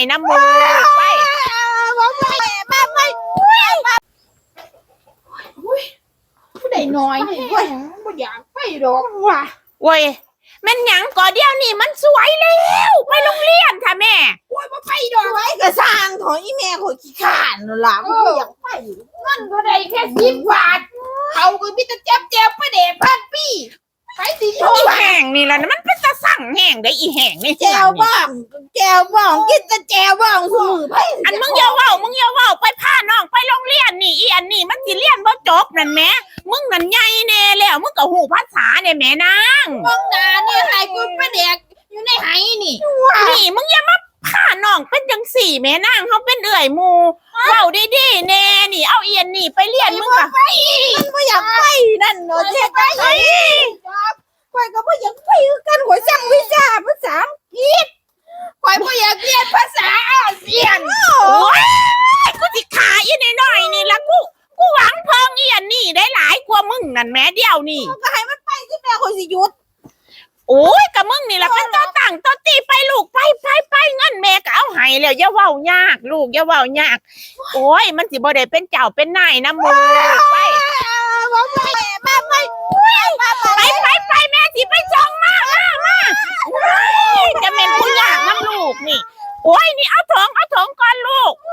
น้ำมูไปผู้ใดน้อยเว้ยบ่อยากไปดอกว่ะเว้ยแม่นหยังก่อเดียวนี่มันสวยแล้วไปโรงเรียนค่ะแม่โอ้ยบ่ไปดอกไว้กระสร้างของอีแม่ของขี้ข้านนั่นล่ะบ่อยากไปเงินก็ได้แค่10 บาทเขาก็มีแต่แจ๊บๆประเดะพันปีไปสิโชอีว์แห้งนี่ล่ะมันเป็นตาสั่งแห้งได้อีแห้งนี่แจวบ้องกินแต่แจวบ้องซุมื้อไปอันมึงอย่าเว้าไปพาน้องไปโรงเรียนนี่อีอันนี้มันสิเรียนบ่จบนั่นแหมมึงนั่นใหญ่แน่แล้วมึงก็ฮู้ภาษาเนี่ยแม่นางบ้องหน้านี่ให้กูประเดกอยู่ในไหนี่นี่มึงอย่ามาพาน้องเป็นจังสี่แม่นางเขาเป็นเอื่อยหมู่เว้าดีๆแน่นี่เอาอีอันนี้ไปเรียนมึงก็มันบ่อยากไปนั่นเนาะเฮ็ดจังได๋ข่อยก็บ่อยากไปคือกันข่อยสั่งวิชาภาษาอังกฤษข่อยบ่อยากเรียนภาษาอาเซียนโอ้ยกูสิขาอีน้อยๆนี่ละกูหวังเพิ่งอีอันนี้ได้หลายกว่ามึงนั่นแม่เดียวนี่ก็ให้มันไปที่แม่ข่อยสิหยุดโอ้ยกับมึงนี่ละเป็นตัวตั้งตัวตีไปลูกไปเงินแม่ก็เอาให้แล้วอย่าเว้ายากลูกอย่าเว้ายากโอ้ยมันสิบ่ได้เป็นเจ้าเป็นนายนะมึงไปแม่สิไปส่งมาจะเป็นผู้ยากน้ำลูกนี่โอ้ยนี่เอาถงก่อนลูก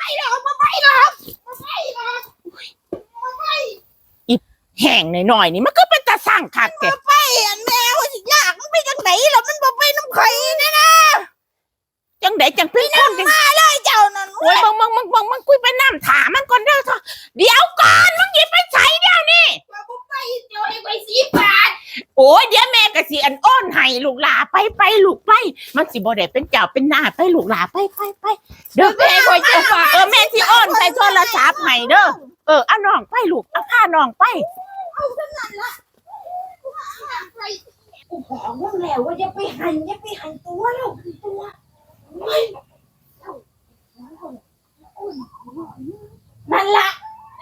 แห้งหน่อยนี่มันก็เป็นตาสั่งคักแกไปอันแม่ข่อยสิยากมันไปจังไหนล่ะมันบ่ไปน้ำข่อยนะจังไดจังเป็นคนจังมาเลยเจ้านั่นโอ้ยมึงคุยไปน้ำถามมันก่อนเด้อเถอะเดี๋ยวก่อนมึงหยิบไปใส่เดี๋ยวนี้ว่าบ่ไปเจ้าให้ข่อย10 บาทโอ้ยเดี๋ยวแม่ก็สิอันอ้อนให้ลูกหลาไปลูกไปมันสิบ่ได้เป็นเจ้าเป็นนายไปลูกหลาไปเด้อแม่ข่อยจะฝากแม่สิอ้อนใส่โทรศัพท์ให้เด้อเอาน้องไปลูกเอาพาน้องไปเอาเท่านั้นล่ะกูบอกมึงแล้วว่าอย่าไปหันตัวแล้วตัวนั่นล่ะ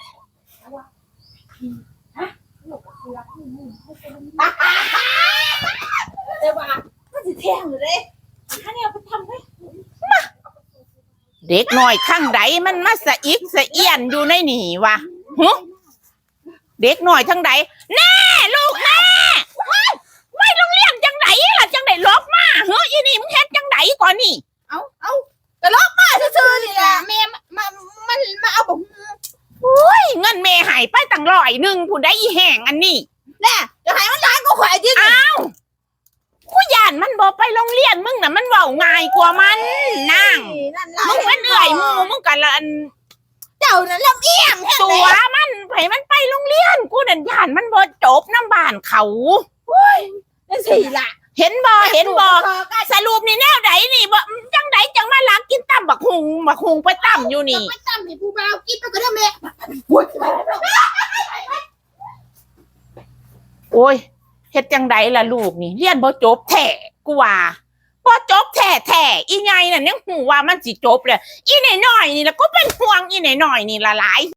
แต่ว่ามันสิแทงเลยอันนี้เอาไปทำไว้เด็กน้อยข้างใดมันมาสะอิกสะเอียนอยู่ในนี่วะเด็กน้อยทั้งใดแน่ลูกแน่ไว้โรงเรียนจังไดล่ะจังไดลบมาอีนี่มึงเฮ็ดจังไดก่อนนี่เอากระลอกมาซื่อๆนี่แหละแม่มาเอาผมโอ้ยเงินแม่หายไปตั้ง100ผู้ใดอีแห้งอันนี้แน่จะให้มันร้านก็ข่อยที่อ้าวกูย่านมันบอกไปโรงเรียนมึงน่ะมันเว้าง่ายกว่ามันนั่งมึงเป็นเอื่อยหมู่มึงกันละอันเจ้านั่นลำเอียงตัวมันให้มันไปโรงเรียนกูนั่นย่านมันบ่จบน้ำบ้านเขานั่นสิล่ะเห็นบ่สรุปนี่แนวใดนี่บ่จังใดจังมาลักกินตั้มบักหุงไปตั้มอยู่นี่ไปตั้มให้ผู้บ่าวกินไปก็ได้แม่โอ้ยเฮ็ดจังใดล่ะลูกนี่เรียนบ่จบแท้กูว่าบ่จบแท้อีไงน่ะยังหูว่ามันสิจบเลยอีน้อยๆนี่ล่ะก็เป็นห่วงอีน้อยๆนี่ละหลาย